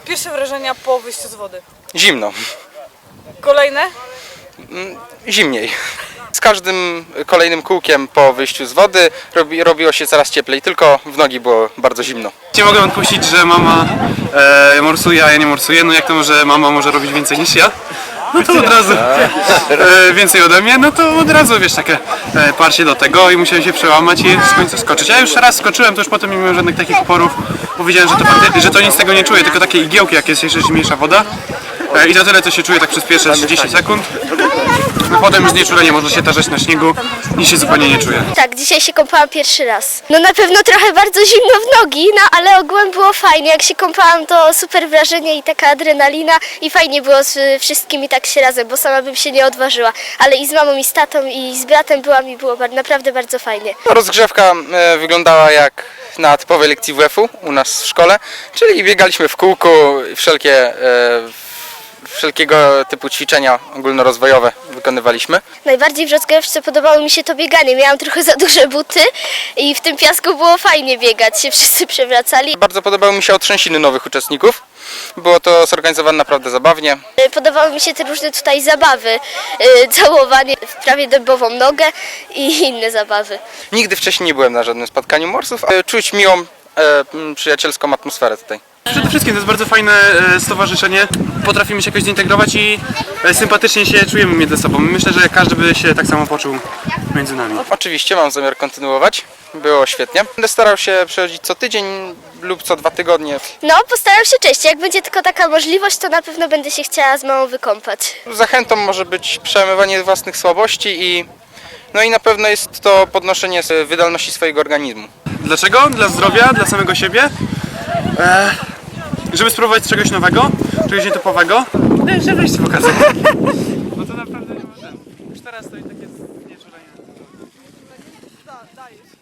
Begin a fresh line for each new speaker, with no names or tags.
Pierwsze wrażenia po wyjściu z wody.
Zimno.
Kolejne?
Zimniej. Z każdym kolejnym kółkiem po wyjściu z wody robiło się coraz cieplej, tylko w nogi było bardzo zimno.
Nie mogę odpuścić, że mama morsuje, a ja nie morsuję. No jak to może mama może robić więcej niż ja? No to od razu więcej ode mnie, no to od razu wiesz, takie parcie do tego i musiałem się przełamać i w końcu skoczyć. Ja już raz skoczyłem, to już potem nie miałem żadnych takich oporów. Powiedziałem, że to nic z tego nie czuję, tylko takie igiełki, jak jest jeszcze zimniejsza woda. I za tyle to się czuje tak przez pierwsze 30 sekund. No potem już znieczulenie można się tarzać na śniegu i się zupełnie nie czuje.
Tak, dzisiaj się kąpałam pierwszy raz. No na pewno trochę bardzo zimno w nogi, no ale ogółem było fajnie. Jak się kąpałam, to super wrażenie i taka adrenalina i fajnie było z wszystkimi tak się razem, bo sama bym się nie odważyła. Ale i z mamą, i z tatą, i z bratem byłam i było naprawdę bardzo fajnie.
Rozgrzewka wyglądała jak na typowej lekcji WF-u u nas w szkole, czyli biegaliśmy w kółku, wszelkiego typu ćwiczenia ogólnorozwojowe wykonywaliśmy.
Najbardziej w rozgrywce podobało mi się to bieganie. Miałam trochę za duże buty i w tym piasku było fajnie biegać, się wszyscy przewracali.
Bardzo podobały mi się otrzęsiny nowych uczestników. Było to zorganizowane naprawdę zabawnie.
Podobały mi się te różne tutaj zabawy, całowanie w prawie dębową nogę i inne zabawy.
Nigdy wcześniej nie byłem na żadnym spotkaniu morsów, ale czuć miłą, przyjacielską atmosferę tutaj.
Przede wszystkim to jest bardzo fajne stowarzyszenie. Potrafimy się jakoś zintegrować i sympatycznie się czujemy między sobą. Myślę, że każdy by się tak samo poczuł między nami.
Oczywiście mam zamiar kontynuować. Było świetnie. Będę starał się przychodzić co tydzień lub co 2 tygodnie.
No, postaram się częściej. Jak będzie tylko taka możliwość, to na pewno będę się chciała z mamą wykąpać.
Zachętą może być przełamywanie własnych słabości i na pewno jest to podnoszenie wydolności swojego organizmu.
Dlaczego? Dla zdrowia, dla samego siebie. Żeby spróbować czegoś nowego, czegoś nietypowego. Żeby iść pokazać. No to naprawdę nie ma sensu. Już teraz to i tak jest znieczulenie.
Dajesz.